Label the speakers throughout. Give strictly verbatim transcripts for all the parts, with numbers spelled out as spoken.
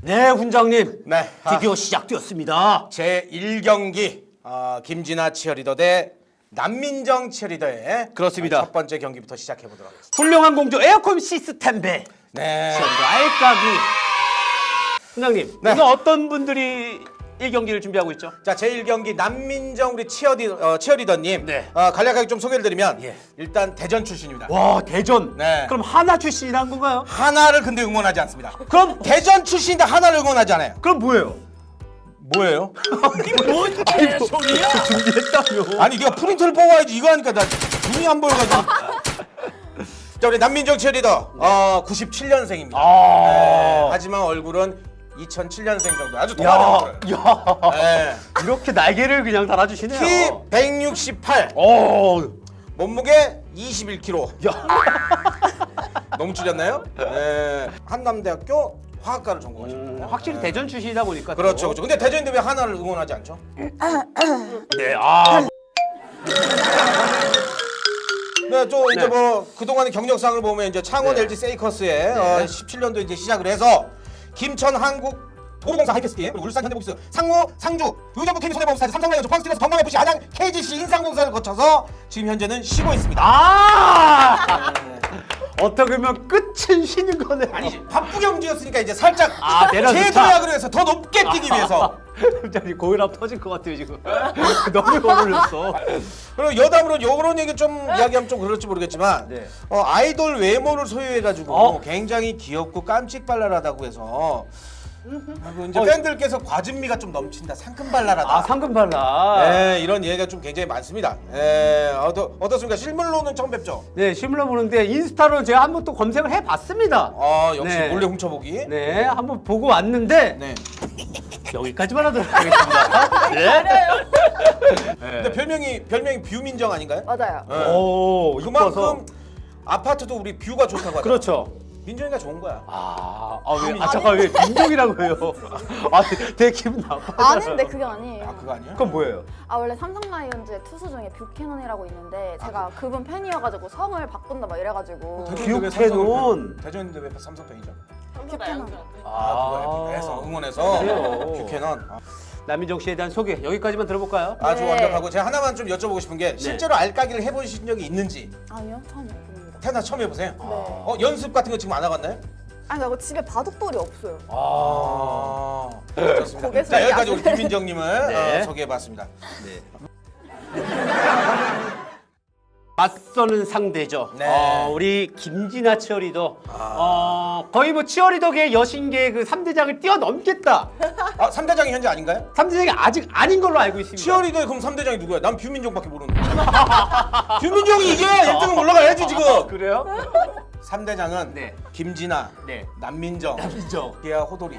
Speaker 1: 네, 훈장님.
Speaker 2: 네,
Speaker 1: 드디어
Speaker 2: 아,
Speaker 1: 시작되었습니다.
Speaker 2: 제일 경기 어, 김진아 치어리더 대 남민정 치어리더의
Speaker 1: 그렇습니다.
Speaker 2: 첫 번째 경기부터 시작해 보도록 하겠습니다.
Speaker 1: 훌륭한 공조 에어컨 시스템 배
Speaker 2: 네.
Speaker 1: 치어리더 알까기. 훈장님,
Speaker 2: 네.
Speaker 1: 오늘 어떤 분들이 이 경기를 준비하고 있죠?
Speaker 2: 자, 제일 경기 남민정 우리 치어리, 어, 치어리더님
Speaker 1: 네.
Speaker 2: 어, 간략하게 좀 소개를 드리면
Speaker 1: 예.
Speaker 2: 일단 대전 출신입니다.
Speaker 1: 와, 대전.
Speaker 2: 네.
Speaker 1: 그럼 하나 출신이란 건가요?
Speaker 2: 하나를 근데 응원하지 않습니다.
Speaker 1: 그럼
Speaker 2: 대전 출신인데 하나를 응원하지 않아요.
Speaker 1: 그럼 뭐예요?
Speaker 2: 뭐예요?
Speaker 1: 뭔 개소리야? 준비했다며.
Speaker 2: 아니 네가 프린트를 뽑아야지. 이거 하니까 나 눈이 안 보여가지고. 자, 우리 남민정 치어리더 어, 구십칠 년생입니다.
Speaker 1: 아.
Speaker 2: 네, 하지만 얼굴은 이천칠 년생 정도 아주
Speaker 1: 야,
Speaker 2: 동안의
Speaker 1: 야.
Speaker 2: 네.
Speaker 1: 이렇게 날개를 그냥 달아주시네요.
Speaker 2: 키 백육십팔,
Speaker 1: 오.
Speaker 2: 몸무게 이십일 킬로그램.
Speaker 1: 야.
Speaker 2: 너무 줄였나요? 네. 한남대학교 화학과를 전공하셨거든요.
Speaker 1: 확실히
Speaker 2: 네.
Speaker 1: 대전 출신이다 보니까.
Speaker 2: 그렇죠,
Speaker 1: 또.
Speaker 2: 그렇죠. 근데 대전인데 왜 하나를 응원하지 않죠?
Speaker 1: 네, 아.
Speaker 2: 네, 또 이제
Speaker 1: 네.
Speaker 2: 뭐 그동안의 경력상을 보면 이제 창원
Speaker 1: 네.
Speaker 2: 엘지 세이커스에
Speaker 1: 네.
Speaker 2: 어, 십칠 년도 이제 시작을 해서 김천 한국 도로공사 하이패스팀, 그리고 울산 현대복스, 상무, 상주, 의정부 케이비 손해보험사에서 삼성라이온즈, 포항스틸러스, 경남에프씨, 안양, 케이지씨, 인상공사를 거쳐서 지금 현재는 쉬고 있습니다.
Speaker 1: 아! 어떻게 보면 끝은 쉬는 거네.
Speaker 2: 아니 바쁘게 움직였으니까 이제 살짝
Speaker 1: 아, 내려놓자.
Speaker 2: 제도약을 해서 더 높게 뛰기 위해서.
Speaker 1: 갑자기 고혈압 터질 것 같아요 지금. 너무 어울렸어.
Speaker 2: 그리고 여담으로 요런 얘기 좀 이야기하면 좀 그럴지 모르겠지만
Speaker 1: 네.
Speaker 2: 어, 아이돌 외모를 소유해가지고
Speaker 1: 어?
Speaker 2: 굉장히 귀엽고 깜찍발랄하다고 해서 그리고 이제
Speaker 1: 어.
Speaker 2: 팬들께서 과즙미가 좀 넘친다, 상큼발랄하다.
Speaker 1: 아, 상금발라.
Speaker 2: 네, 이런 얘기가 좀 굉장히 많습니다. 네, 어떠, 어떻습니까? 실물로는 처음 뵙죠?
Speaker 1: 네, 실물로 보는데 인스타로 제가 한번 또 검색을 해봤습니다.
Speaker 2: 아, 역시
Speaker 1: 네.
Speaker 2: 몰래 훔쳐보기.
Speaker 1: 네, 한번 보고 왔는데
Speaker 2: 네.
Speaker 1: 여기까지만 하도록 하겠습니다. 네.
Speaker 2: 근데 별명이 별명이 뷰민정 아닌가요?
Speaker 3: 맞아요.
Speaker 2: 네.
Speaker 1: 오, 이뻐서.
Speaker 2: 그만큼 아파트도 우리 뷰가 좋다고 하죠.
Speaker 1: 그렇죠.
Speaker 2: 민정이가 좋은 거야.
Speaker 1: 아, 아, 왜, 아 잠깐 왜 민정이라고 해요? 아, 되게 기분 나빠.
Speaker 3: 아닌데 그게 아니에요.
Speaker 2: 아, 그거 아니야?
Speaker 1: 그건 뭐예요?
Speaker 3: 아 원래 삼성 라이온즈의 투수 중에 뷰캐넌이라고 있는데 제가 그분 팬이어가지고 성을 바꾼다 막 이래가지고
Speaker 1: 뷰캐넌.
Speaker 2: 대전인데 왜 삼성 팬이죠?
Speaker 3: 뷰캐넌.
Speaker 2: 아, 그거야. 해서 응원해서
Speaker 1: 그래요.
Speaker 2: 뷰캐넌. 아,
Speaker 1: 남민정 씨에 대한 소개 여기까지만 들어볼까요?
Speaker 2: 아주
Speaker 3: 네.
Speaker 2: 완벽하고 제가 하나만 좀 여쭤보고 싶은 게 실제로 알까기를 해보신 적이 있는지.
Speaker 3: 아니요 처음 해봅니다.
Speaker 2: 태어나 처음 해보세요.
Speaker 3: 네.
Speaker 2: 어, 연습 같은 거 지금 안 하갔나요?
Speaker 3: 아니 나 집에 바둑돌이 없어요.
Speaker 2: 아, 좋습니다.
Speaker 3: 고개
Speaker 2: 자,
Speaker 3: 숙이지
Speaker 2: 여기까지 우리
Speaker 3: 않으세요?
Speaker 2: 김민정님을
Speaker 1: 네.
Speaker 2: 어, 소개해봤습니다.
Speaker 1: 맞서는 상대죠.
Speaker 2: 네.
Speaker 1: 어, 우리 김진아 치어리더. 어, 거의 뭐 치어리더계 여신계 그 삼 대장을 뛰어넘겠다.
Speaker 2: 아, 삼 대장이 현재 아닌가요?
Speaker 1: 삼 대장이 아직 아닌 걸로 알고 있습니다.
Speaker 2: 치어리더의 그럼 삼 대장이 누구야? 난 뷰민정밖에 모르는데. 뷰민정이 이게 일 등은 올라가야지 지금.
Speaker 1: 그래요?
Speaker 2: 삼 대장은
Speaker 1: 네.
Speaker 2: 김진아,
Speaker 1: 네.
Speaker 2: 남민정,
Speaker 1: 남민정.
Speaker 2: 기아 호돌이.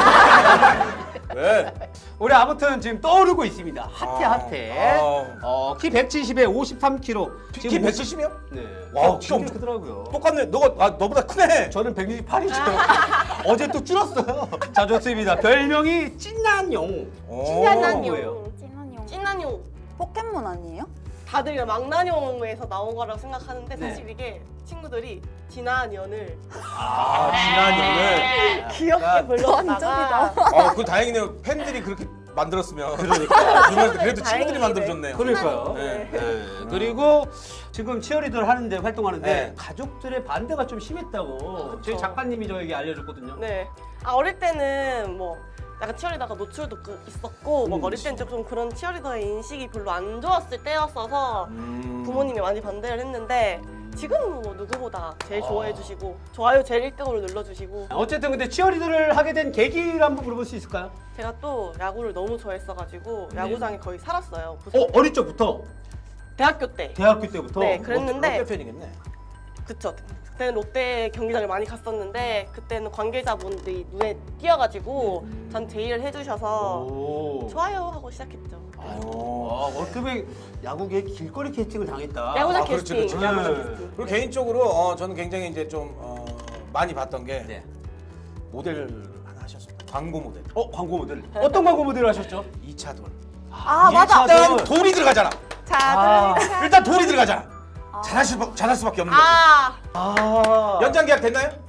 Speaker 2: 왜?
Speaker 1: 우리 아무튼 지금 떠오르고 있습니다. 핫해
Speaker 2: 아,
Speaker 1: 핫해.
Speaker 2: 아.
Speaker 1: 어, 키 백칠십에 오십삼 킬로그램.
Speaker 2: 키 백칠십이요?
Speaker 1: 네.
Speaker 2: 와,
Speaker 1: 와,
Speaker 2: 키가
Speaker 1: 진짜 크더라고요.
Speaker 2: 똑같네. 너가 아, 너보다 크네.
Speaker 1: 저는 백육십팔이죠. 어제 또 줄었어요. 자, 좋습니다. 별명이 찐난용.
Speaker 2: 오.
Speaker 1: 찐난용.
Speaker 3: 찐한용.
Speaker 4: 찐난용.
Speaker 3: 포켓몬 아니에요?
Speaker 4: 다들 망나뇽에서 나온 거라고 생각하는데
Speaker 1: 네.
Speaker 4: 사실 이게 친구들이 진한연을
Speaker 2: 아, 진한용을.
Speaker 4: 귀엽게 불렀다가
Speaker 2: 아, 그 다행이네요. 팬들이 그렇게 만들었으면. 그러니까. 그래도 친구들이
Speaker 4: 다행이네.
Speaker 2: 만들어줬네요.
Speaker 1: 그러니까요.
Speaker 2: 네.
Speaker 1: 네. 그리고 지금 치어리더를 하는데 활동하는데
Speaker 2: 네.
Speaker 1: 가족들의 반대가 좀 심했다고 저희
Speaker 4: 그렇죠.
Speaker 1: 작가님이 저에게 알려줬거든요.
Speaker 4: 네. 아 어릴 때는 뭐 약간 치어리더가 노출도 그- 있었고 뭐
Speaker 1: 음.
Speaker 4: 어릴 때는 좀 그런 치어리더의 인식이 별로 안 좋았을 때였어서
Speaker 2: 음.
Speaker 4: 부모님이 많이 반대를 했는데 지금은 뭐 누구보다 제일
Speaker 1: 아.
Speaker 4: 좋아해 주시고 좋아요 제일 일 등으로 눌러주시고
Speaker 1: 어쨌든 근데 치어리더를 하게 된 계기를 한번 물어볼 수 있을까요?
Speaker 4: 제가 또 야구를 너무 좋아했어가지고
Speaker 1: 네.
Speaker 4: 야구장에 거의 살았어요.
Speaker 1: 어, 어릴 적부터?
Speaker 4: 대학교 때.
Speaker 1: 대학교 때부터?
Speaker 4: 네, 그랬는데
Speaker 2: 롯데 팬이겠네.
Speaker 4: 그쵸. 그때는 롯데 경기장을 많이 갔었는데 그때는 관계자분들이 눈에 띄어가지고 전 제의를 해주셔서
Speaker 1: 오.
Speaker 4: 좋아요 하고 시작했죠.
Speaker 1: 아, 어떻게 야구계 길거리 캐스팅을 당했다.
Speaker 4: 야구장
Speaker 2: 아, 그렇지,
Speaker 4: 캐스팅.
Speaker 2: 그렇지.
Speaker 4: 야구장
Speaker 1: 네.
Speaker 4: 캐스팅.
Speaker 2: 그리고 개인적으로 어, 저는 굉장히 이제 좀 어, 많이 봤던 게
Speaker 1: 네.
Speaker 2: 모델 하나 하셨습니다. 광고 모델.
Speaker 1: 어, 광고 모델. 어떤 광고 모델을 하셨죠?
Speaker 2: 이차돌.
Speaker 3: 아 맞아.
Speaker 2: 일단 돌이 들어가잖아.
Speaker 3: 자
Speaker 1: 아.
Speaker 3: 들으니까.
Speaker 2: 일단 돌이 들어가잖아. 잘할 수 잘할 수밖에 없는 거지.
Speaker 4: 아
Speaker 1: 아.
Speaker 2: 연장 계약 됐나요?
Speaker 1: 네.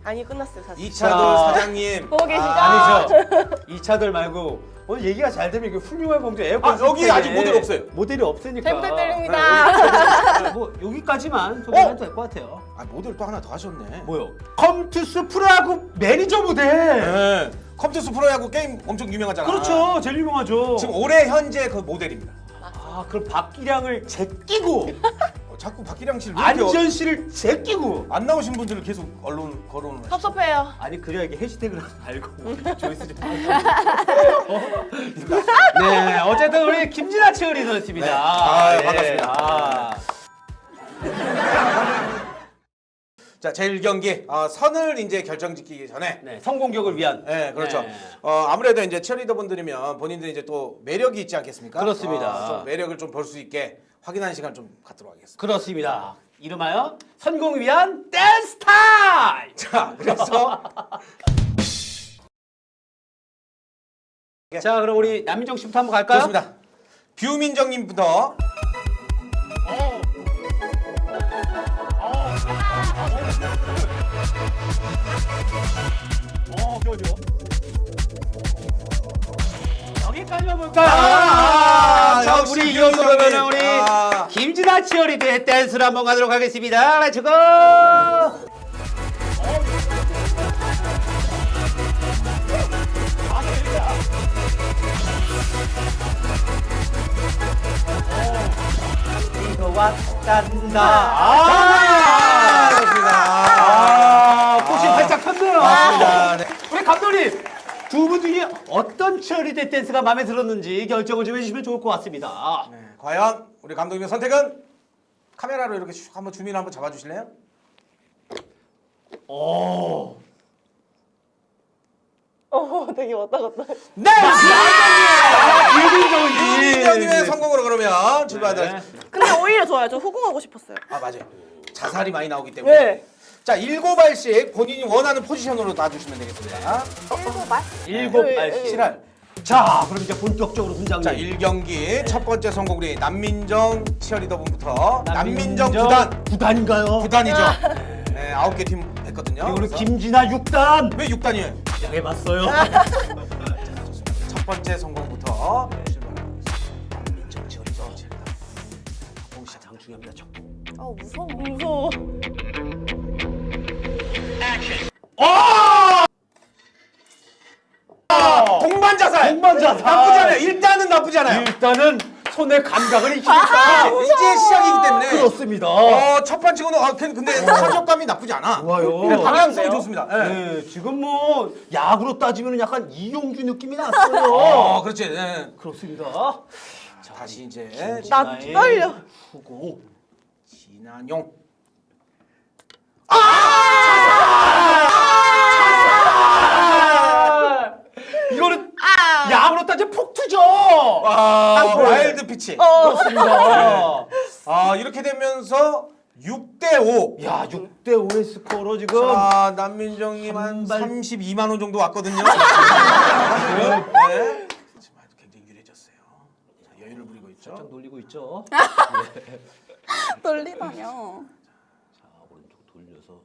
Speaker 4: 아니 끝났어요 사실.
Speaker 2: 이차돌
Speaker 1: 자.
Speaker 2: 사장님.
Speaker 4: 보고 계시죠?
Speaker 1: 아니죠. 이 차들 말고 오늘 얘기가 잘 되면 이게 훌륭한 공주 에어컨.
Speaker 2: 아, 여기
Speaker 1: 시스템에
Speaker 2: 아직 모델 없어요.
Speaker 1: 모델이 없으니까.
Speaker 4: 잘 부탁드립니다.
Speaker 1: 뭐 여기까지만 소개해도 될 것 같아요.
Speaker 2: 아 모델 또 하나 더 하셨네.
Speaker 1: 뭐요? 컴투스 프로야구 매니저 모델.
Speaker 2: 네. 컴퓨터 프로야구 게임 엄청 유명하잖아.
Speaker 1: 그렇죠. 제일 유명하죠.
Speaker 2: 지금 올해 현재 그 모델입니다.
Speaker 1: 아 그럼 박기량을 제끼고
Speaker 2: 어, 자꾸 박기량 씨를 왜 이렇게
Speaker 1: 안지현 씨를 제끼고.
Speaker 2: 안 나오신 분들을 계속 언론 거론을 하시죠?
Speaker 4: 섭섭해요.
Speaker 1: 아니 그래야 이게 해시태그를 알고 우리 조회수 좀 네 어쨌든 우리 김진아 치어리더였습니다.
Speaker 2: 네. 아,
Speaker 1: 예.
Speaker 2: 반갑습니다.
Speaker 1: 아.
Speaker 2: 자, 제일 경기 어, 선을 이제 결정짓기 전에
Speaker 1: 네 성공격을 위한.
Speaker 2: 네, 그렇죠.
Speaker 1: 네.
Speaker 2: 어, 아무래도 이제 치어리더 분들이면 본인들이 이제 또 매력이 있지 않겠습니까?
Speaker 1: 그렇습니다.
Speaker 2: 어, 좀 매력을 좀 볼 수 있게 확인하는 시간 좀 갖도록 하겠습니다.
Speaker 1: 그렇습니다. 이름하여 선공을 위한 댄스 타임.
Speaker 2: 자, 그래서
Speaker 1: 자 그럼 우리 남민정 씨부터 한번 갈까요?
Speaker 2: 좋습니다. 뷰민정님부터.
Speaker 1: 어, 그러죠. 여기까지만 볼까요?
Speaker 2: 아,
Speaker 1: 자,
Speaker 2: 역시
Speaker 1: 우리 이어서
Speaker 2: 김정민.
Speaker 1: 그러면 우리
Speaker 2: 아.
Speaker 1: 김진아 치어리더의 댄스를 한번 가도록 하겠습니다. 렛츠 고! 이거 왔단다.
Speaker 2: 아, 좋습니다.
Speaker 1: 아, 꽃이 활짝 폈네요.
Speaker 2: 맞습니다. 네.
Speaker 1: 우리 감독님 두 분 중에 어떤 치어리더 댄스가 마음에 들었는지 결정을 좀 해주시면 좋을 것 같습니다.
Speaker 2: 네, 과연 우리 감독님의 선택은 카메라로 이렇게 슉 한번 주민을 한번 잡아주실래요?
Speaker 1: 오.
Speaker 4: 어 되게 왔다 갔다.
Speaker 2: 네!
Speaker 1: 유빈정이.
Speaker 2: 뷰민정님의 성공으로 그러면 출발하도록
Speaker 1: 네.
Speaker 2: 하겠습니다.
Speaker 4: 근데 오히려 좋아요. 저 후궁하고 싶었어요.
Speaker 2: 아, 맞아요. 자살이 많이 나오기 때문에.
Speaker 4: 네.
Speaker 2: 자, 일곱 알씩 본인이 원하는 포지션으로 놔주시면 되겠습니다.
Speaker 3: 일곱 말?
Speaker 1: 일곱
Speaker 4: 네,
Speaker 1: 알씩.
Speaker 4: 네.
Speaker 2: 칠알.
Speaker 1: 자, 그럼 이제 본격적으로 훈장님.
Speaker 2: 자, 일 경기 첫 번째 성공 우리 남민정 치어리더 분부터 남민정
Speaker 1: 남민정
Speaker 2: 구단
Speaker 1: 구단인가요?
Speaker 2: 구단이죠. 네, 아홉 개 팀 했거든요.
Speaker 1: 그리고 우리
Speaker 2: 그래서
Speaker 1: 김진아 육 단.
Speaker 2: 왜 육 단이에요?
Speaker 1: 시작해봤어요.
Speaker 2: 첫 번째 성공부터 출발하겠습니다. 남민정 치어리더.
Speaker 1: 가장 중요합니다. 첫.
Speaker 3: 어 무서워.
Speaker 4: 무서워.
Speaker 2: 동반 자살.
Speaker 1: 동반 자살.
Speaker 2: 나쁘지 않아요. 일단은 나쁘지 않아요.
Speaker 1: 일단은 손의 감각을 익히니까.
Speaker 2: 이제 시작이기 때문에.
Speaker 1: 그렇습니다.
Speaker 2: 어, 첫 번째고는 아, 근데 타격감이 나쁘지 않아.
Speaker 1: 좋아요.
Speaker 2: 네, 방향성이
Speaker 4: 잘하는데요?
Speaker 2: 좋습니다. 네.
Speaker 1: 네, 지금 뭐 야구로 따지면 약간 이용주 느낌이 났어요.
Speaker 2: 어, 그렇지. 네.
Speaker 1: 그렇습니다.
Speaker 2: 자, 다시 이제
Speaker 4: 나
Speaker 1: 진아의
Speaker 4: 떨려.
Speaker 1: 후공.
Speaker 2: 진한용.
Speaker 1: 이거는
Speaker 4: 아.
Speaker 1: 야구로 따지면 폭투죠.
Speaker 2: 아,
Speaker 1: 네.
Speaker 2: 와일드 피치.
Speaker 4: 어.
Speaker 1: 그렇습니다.
Speaker 2: 아, 이렇게 되면서 육 대 오.
Speaker 1: 야, 육 대 오의 스코어로 지금
Speaker 2: 자, 남민정님 한
Speaker 1: 한 발-
Speaker 2: 삼십이만 원 정도 왔거든요. 네. 지금 아주 굉장히 유리해졌어요. 자, 여유를 부리고 있죠.
Speaker 1: 좀 놀리고 있죠.
Speaker 3: 떨리다뇨.
Speaker 1: 자, 오른쪽 돌려서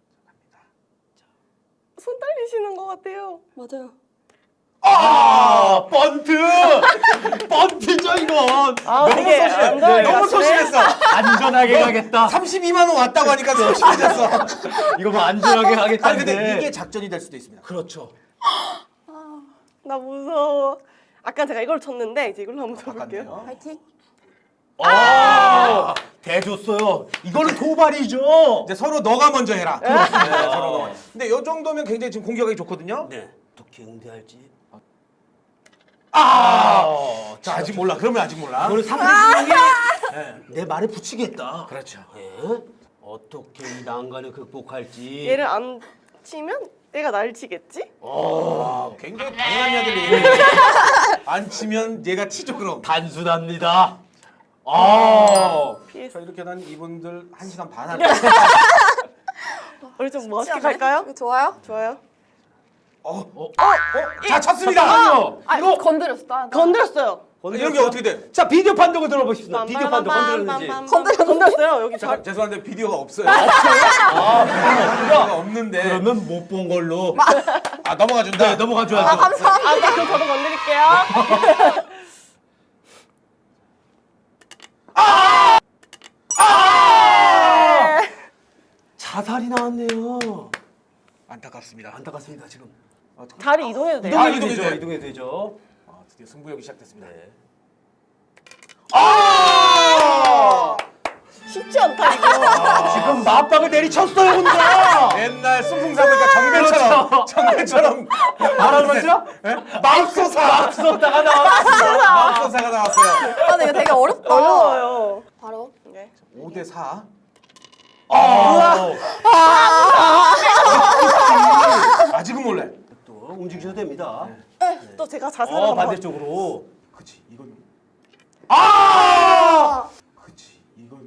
Speaker 4: 손 떨리시는 것 같아요.
Speaker 3: 맞아요.
Speaker 1: 아, 번트! 번트죠, 이건.
Speaker 4: 아,
Speaker 2: 너무
Speaker 4: 되게
Speaker 2: 소심해.
Speaker 4: 안전하게
Speaker 2: 너무
Speaker 4: 갔네.
Speaker 2: 소심했어.
Speaker 1: 안전하게 가겠다.
Speaker 2: 삼십이만 원 왔다고 하니까 소심해졌어.
Speaker 1: 이거 뭐 안전하게
Speaker 2: 아니
Speaker 1: 가겠다는데.
Speaker 2: 근데 이게 작전이 될 수도 있습니다.
Speaker 1: 그렇죠.
Speaker 4: 나 무서워. 아까 제가 이걸 쳤는데 이제 이걸로 한번 쳐볼게요.
Speaker 2: 바꿨네요.
Speaker 3: 파이팅.
Speaker 1: 아, 대줬어요. 이거는 도발이죠.
Speaker 2: 이제 서로 너가 먼저 해라. 네, 서로 너가. 근데 이 정도면 굉장히 지금 공격하기 좋거든요.
Speaker 1: 네. 어떻게 응대할지.
Speaker 2: 아, 자 아직 몰라. 그러면 아직 몰라.
Speaker 1: 이거는 상대방이 네, 내 말에 붙이겠다.
Speaker 2: 그렇죠.
Speaker 1: 예. 어떻게 이 난관을 극복할지.
Speaker 4: 얘를 안 치면 얘가 날 치겠지?
Speaker 2: 아, 굉장히 당연한 이야기를 안 치면 얘가 치죠 그럼.
Speaker 1: 단순합니다. 아.
Speaker 4: 피했어.
Speaker 2: 자 이렇게 난 이분들 한 시간 반 할.
Speaker 4: 우리 좀 멋있게
Speaker 3: 않아요?
Speaker 4: 갈까요?
Speaker 3: 이거 좋아요?
Speaker 4: 좋아요.
Speaker 2: 어, 어, 어, 자 쳤습니다.
Speaker 1: 잠깐만요.
Speaker 3: 아
Speaker 1: 이거
Speaker 3: 건드렸어. 나, 나.
Speaker 4: 건드렸어요.
Speaker 2: 이런 게 어떻게 돼?
Speaker 1: 자 비디오 판독을 들어보십시다. 비디오 판독 건드렸는지.
Speaker 4: 건드렸어요. 여기 잘.
Speaker 2: 잠깐 죄송한데 비디오가 없어요.
Speaker 1: 아 비디오가
Speaker 2: 비디오가 없는데.
Speaker 1: 그러면 못 본 걸로.
Speaker 2: 아 넘어가 준다.
Speaker 1: 네 넘어가 줘야죠.
Speaker 3: 아 감사합니다.
Speaker 4: 아, 그럼 저도 건드릴게요.
Speaker 1: 자살이 나왔네요.
Speaker 2: 안타깝습니다.
Speaker 1: 안타깝습니다 지금.
Speaker 4: 자리 이동해도 돼요?
Speaker 2: 아,
Speaker 1: 이동해도
Speaker 2: 이동해도
Speaker 1: 되죠.
Speaker 2: 돼.
Speaker 1: 이동해도 되죠.
Speaker 2: 아, 드디어 승부욕이 시작됐습니다.
Speaker 1: 아!
Speaker 4: 쉽지 않다 이거.
Speaker 1: 지금 맞박을 내리쳤어요 혼자.
Speaker 2: 옛날 승풍사보니까 정배처럼
Speaker 1: 그렇죠.
Speaker 2: 정배처럼
Speaker 1: 뭐라고 그러죠?
Speaker 2: 맙소사
Speaker 1: 맙소사가 나왔습니다.
Speaker 2: 맙소사가 나왔어요.
Speaker 3: 아 근데 이거 되게 어렵다.
Speaker 4: 어려워요.
Speaker 3: 바로.
Speaker 4: 네.
Speaker 2: 오 대 사.
Speaker 1: 아,
Speaker 2: 아직은 몰래.
Speaker 1: 또 움직이셔도 됩니다.
Speaker 4: 또 제가 자살을
Speaker 1: 어
Speaker 4: 한번.
Speaker 1: 반대쪽으로.
Speaker 2: 그치 이건.
Speaker 1: 아!
Speaker 2: 그치 이건.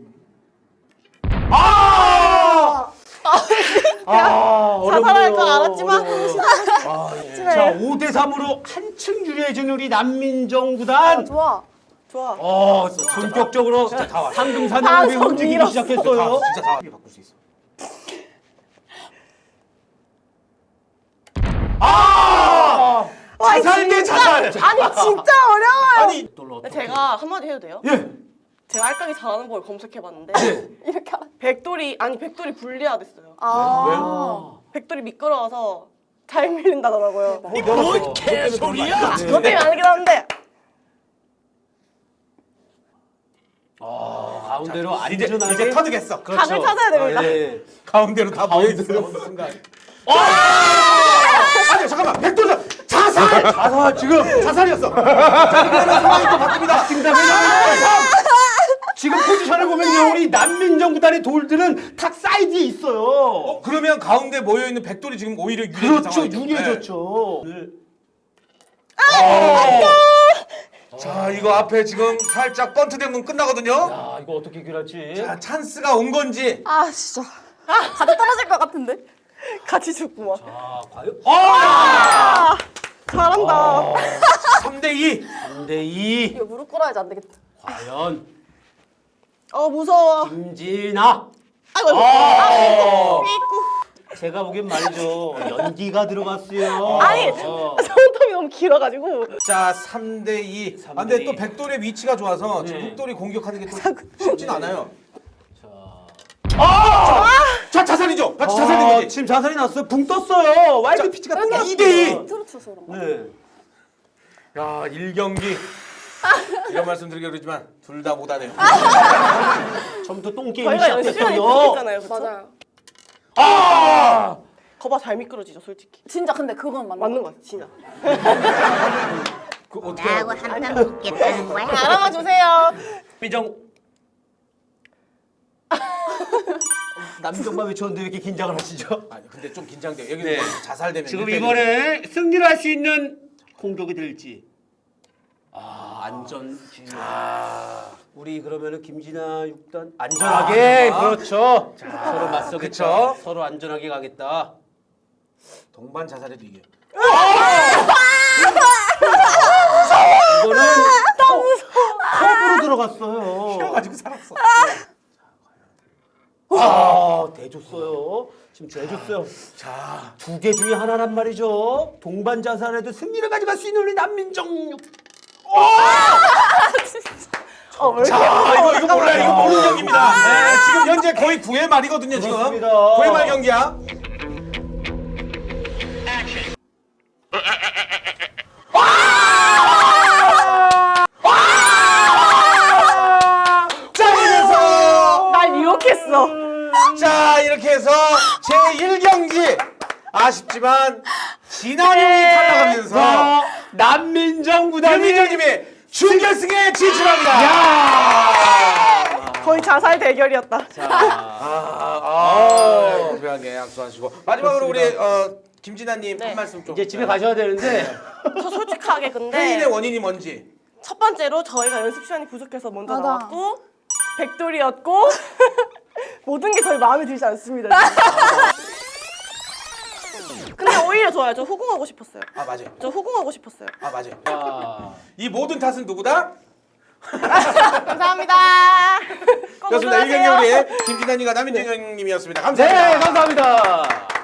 Speaker 1: 아! 아,
Speaker 4: 자살할 거 알았지만
Speaker 1: 아, 예. 자, 오 대 삼으로 한층 유리해진 우리 난민정 구단.
Speaker 3: 좋아.
Speaker 4: 좋아.
Speaker 1: 어, 본격적으로 상금
Speaker 4: 다
Speaker 1: 사냥을 움직이기
Speaker 4: 밀었어.
Speaker 1: 시작했어요.
Speaker 2: 진짜 다 바꿀 수 있어.
Speaker 1: 아!
Speaker 4: 와,
Speaker 1: 자살 대
Speaker 4: 진짜-
Speaker 1: 자살.
Speaker 4: 아니 진짜 어려워요.
Speaker 2: 아니
Speaker 4: 제가 한마디 해도 돼요?
Speaker 1: 예.
Speaker 4: 제가 알까기 잘하는 걸 검색해봤는데
Speaker 3: 이렇게 알아.
Speaker 4: 백돌이 아니 백돌이 불리하댔어요.
Speaker 3: 아.
Speaker 4: 백돌이 미끄러워서 잘 밀린다더라고요.
Speaker 1: 뭔 개소리야?
Speaker 4: 그것 때문에 아니긴 한데
Speaker 1: 아, 가운데로
Speaker 2: 이제
Speaker 1: 안전하게
Speaker 2: 이제 터득했어.
Speaker 1: 그렇죠.
Speaker 4: 각을 찾아야 됩니다.
Speaker 1: 아, 예.
Speaker 2: 가운데로 다 모여있는 순간. 아니 잠깐만 백도전
Speaker 1: 자살! 자살 지금
Speaker 2: 자살이었어. 자 그러면 상황이 또 바뀝니다.
Speaker 1: 지금 포지션을 보면요 우리 난민정 구단의 돌들은 탁 사이드에 있어요.
Speaker 2: 어, 그러면 가운데 모여 있는 백돌이 지금 오히려 유리해진
Speaker 1: 그렇죠,
Speaker 2: 상황이죠.
Speaker 1: 유리해졌죠. 네.
Speaker 2: 자 이거 앞에 지금 살짝 번트되면 끝나거든요.
Speaker 1: 야 이거 어떻게 해결할지.
Speaker 2: 자 찬스가 온 건지.
Speaker 3: 아 진짜. 가져 떨어질 것 같은데.
Speaker 4: 같이 죽고 막.
Speaker 1: 아 과연? 아!
Speaker 4: 잘한다.
Speaker 2: 삼 대 이.
Speaker 1: 삼 대 이.
Speaker 3: 이거 무릎 꿇어야지 안 되겠다.
Speaker 1: 과연
Speaker 4: 어 무서워.
Speaker 1: 김진아.
Speaker 4: 아이고.
Speaker 1: 아!
Speaker 4: 삐꾸.
Speaker 1: 제가 보기엔 말이죠 연기가 들어갔어요.
Speaker 4: 아니
Speaker 1: 어.
Speaker 4: 손톱이 너무 길어가지고.
Speaker 2: 자 삼 대 이.
Speaker 1: 삼
Speaker 2: 아,
Speaker 1: 대
Speaker 2: 근데
Speaker 1: 이.
Speaker 2: 또 백돌의 위치가 좋아서 지금
Speaker 1: 네.
Speaker 2: 흑돌이 공격하는 게 또 쉽진 않아요.
Speaker 1: 아!
Speaker 2: 자 자살이죠. 같이
Speaker 1: 아,
Speaker 2: 자살된 거지.
Speaker 1: 지금 자살이 났어요. 붕 떴어요. 와이드 피치가 떴어요.
Speaker 2: 이 대 이.
Speaker 3: 트로트서 그런 거.
Speaker 1: 네.
Speaker 2: 야 일 경기. 이런 말씀 드리기 그러지만 둘 다 못하네요.
Speaker 1: 처음부터 똥게임이
Speaker 4: 저희가 연습 시간이
Speaker 1: 시작됐어요.
Speaker 4: 부족했잖아요. 그쵸?
Speaker 3: 맞아요.
Speaker 1: 아!
Speaker 4: 거봐 잘 미끄러지죠 솔직히.
Speaker 3: 진짜 근데 그건 맞는
Speaker 4: 맞는
Speaker 3: 거.
Speaker 4: 거 같아 진짜.
Speaker 2: 그 어떻게 해요?
Speaker 5: 나하고 한판 붙겠다는 거야?
Speaker 4: 알아봐 주세요.
Speaker 1: 민정. 남정만 외쳤는데 왜 이렇게 긴장을 하시죠?
Speaker 2: 아니 근데 좀 긴장돼요. 여기
Speaker 1: 네.
Speaker 2: 자살되면
Speaker 1: 지금
Speaker 2: 일 대 일.
Speaker 1: 이번에 승리를 할 수 있는 공격이 될지. 아 안전. 아 우리 그러면은 김진아 육 단 안전하게
Speaker 2: 아,
Speaker 1: 그렇죠. 자, 서로 맞서겠죠.
Speaker 2: 그쵸.
Speaker 1: 서로 안전하게 가겠다.
Speaker 2: 동반 자살해도 이게.
Speaker 1: 이거는 너무 무서워. 컵으로 들어갔어요.
Speaker 2: 가지고 살았어.
Speaker 1: 아 대줬어요. 지금 대줬어요.
Speaker 2: 자,
Speaker 1: 두 개 중에 하나란 말이죠. 동반 자살에도 승리를 가져갈 수 있는 우리 난민정.
Speaker 4: 어, 왜 이렇게
Speaker 2: 자 이거 이거 몰라요. 이거 모르는 경기입니다.
Speaker 1: 아.
Speaker 2: 네, 지금 현재 거의 구 회 말이거든요. 지금
Speaker 1: 그렇습니다.
Speaker 2: 구 회 말 경기야. 자 이래서
Speaker 4: 날 유혹했어.
Speaker 2: 자 이렇게 해서 제일 경기 아쉽지만 진한형이 탈락하면서
Speaker 1: 자, 난민정 구단이
Speaker 2: 김민정님이 준결승에 진출합니다.
Speaker 1: 야!
Speaker 4: 거의 자살 대결이었다.
Speaker 1: 자,
Speaker 2: 아, 아, 고배하게 약속하시고 마지막으로 우리 어, 김진아님
Speaker 4: 네.
Speaker 2: 한 말씀 좀.
Speaker 1: 이제 집에 가셔야 되는데
Speaker 4: 저 솔직하게 근데
Speaker 2: 회인의 원인이 뭔지.
Speaker 4: 첫 번째로 저희가 연습 시간이 부족해서 먼저
Speaker 3: 맞아.
Speaker 4: 나왔고 백돌이었고 모든 게 저희 마음에 들지 않습니다. 근데 오히려 좋아요. 저 후궁하고 싶었어요.
Speaker 2: 아 맞아요.
Speaker 4: 저 후궁하고 싶었어요.
Speaker 2: 아 맞아요.
Speaker 1: 아.
Speaker 2: 이 모든 탓은 누구다?
Speaker 4: 감사합니다. 꼭
Speaker 2: 그렇습니다.
Speaker 4: 우승하세요.
Speaker 2: 일경기 우리의 김진환님과 남인정 형님이었습니다.
Speaker 1: 네,
Speaker 2: 감사합니다.
Speaker 1: 감사합니다.